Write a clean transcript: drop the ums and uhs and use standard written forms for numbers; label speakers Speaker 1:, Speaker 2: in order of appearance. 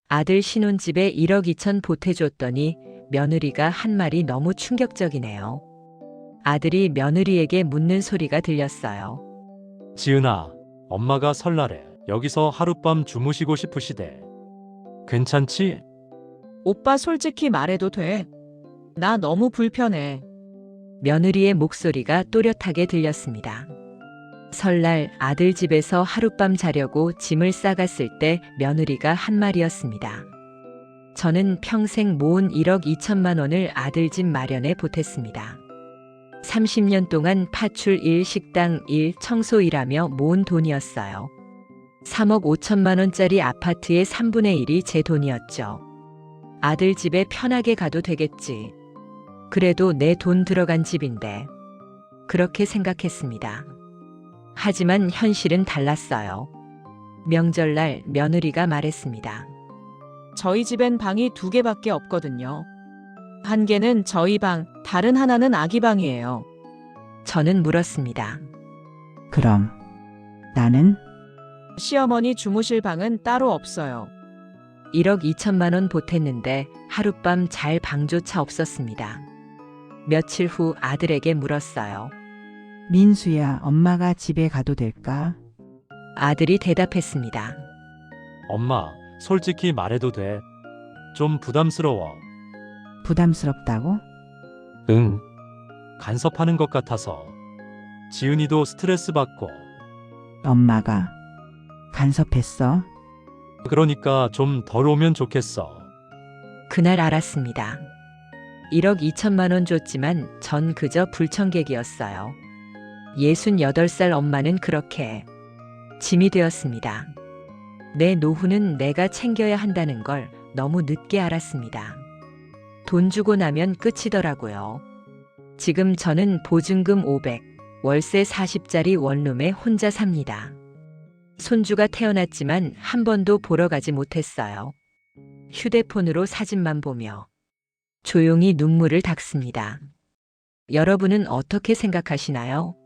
Speaker 1: 아들 신혼집에 1억 2천 보태줬더니 며느리가 한 말이 너무 충격적이네요. 아들이 며느리에게 묻는 소리가 들렸어요.
Speaker 2: 지은아, 엄마가 설날에 여기서 하룻밤 주무시고 싶으시대. 괜찮지?
Speaker 3: 오빠 솔직히 말해도 돼. 나 너무 불편해.
Speaker 1: 며느리의 목소리가 또렷하게 들렸습니다. 설날 아들 집에서 하룻밤 자려고 짐을 싸갔을 때 며느리가 한 말이었습니다. 저는 평생 모은 1억 2천만 원을 아들 집 마련에 보탰습니다. 30년 동안 파출 1, 식당 1, 청소 일하며 모은 돈이었어요. 3억 5천만 원짜리 아파트의 3분의 1이 제 돈이었죠. 아들 집에 편하게 가도 되겠지. 그래도 내 돈 들어간 집인데. 그렇게 생각했습니다. 하지만 현실은 달랐어요. 명절날 며느리가 말했습니다.
Speaker 3: 저희 집엔 방이 2개밖에 없거든요. 한 개는 저희 방, 다른 하나는 아기 방이에요.
Speaker 1: 저는 물었습니다.
Speaker 4: 그럼 나는
Speaker 3: 시어머니 주무실 방은 따로 없어요.
Speaker 1: 1억 2천만 원 보탰는데 하룻밤 잘 방조차 없었습니다. 며칠 후 아들에게 물었어요.
Speaker 4: 민수야, 엄마가 집에 가도 될까?
Speaker 1: 아들이 대답했습니다.
Speaker 2: 엄마, 솔직히 말해도 돼. 좀 부담스러워.
Speaker 4: 부담스럽다고?
Speaker 2: 응. 간섭하는 것 같아서. 지은이도 스트레스 받고.
Speaker 4: 엄마가 간섭했어?
Speaker 2: 그러니까 좀 덜 오면 좋겠어.
Speaker 1: 그날 알았습니다. 1억 2천만 원 줬지만 전 그저 불청객이었어요. 68살 엄마는 그렇게 짐이 되었습니다. 내 노후는 내가 챙겨야 한다는 걸 너무 늦게 알았습니다. 돈 주고 나면 끝이더라고요. 지금 저는 보증금 500, 월세 40짜리 원룸에 혼자 삽니다. 손주가 태어났지만 한 번도 보러 가지 못했어요. 휴대폰으로 사진만 보며 조용히 눈물을 닦습니다. 여러분은 어떻게 생각하시나요?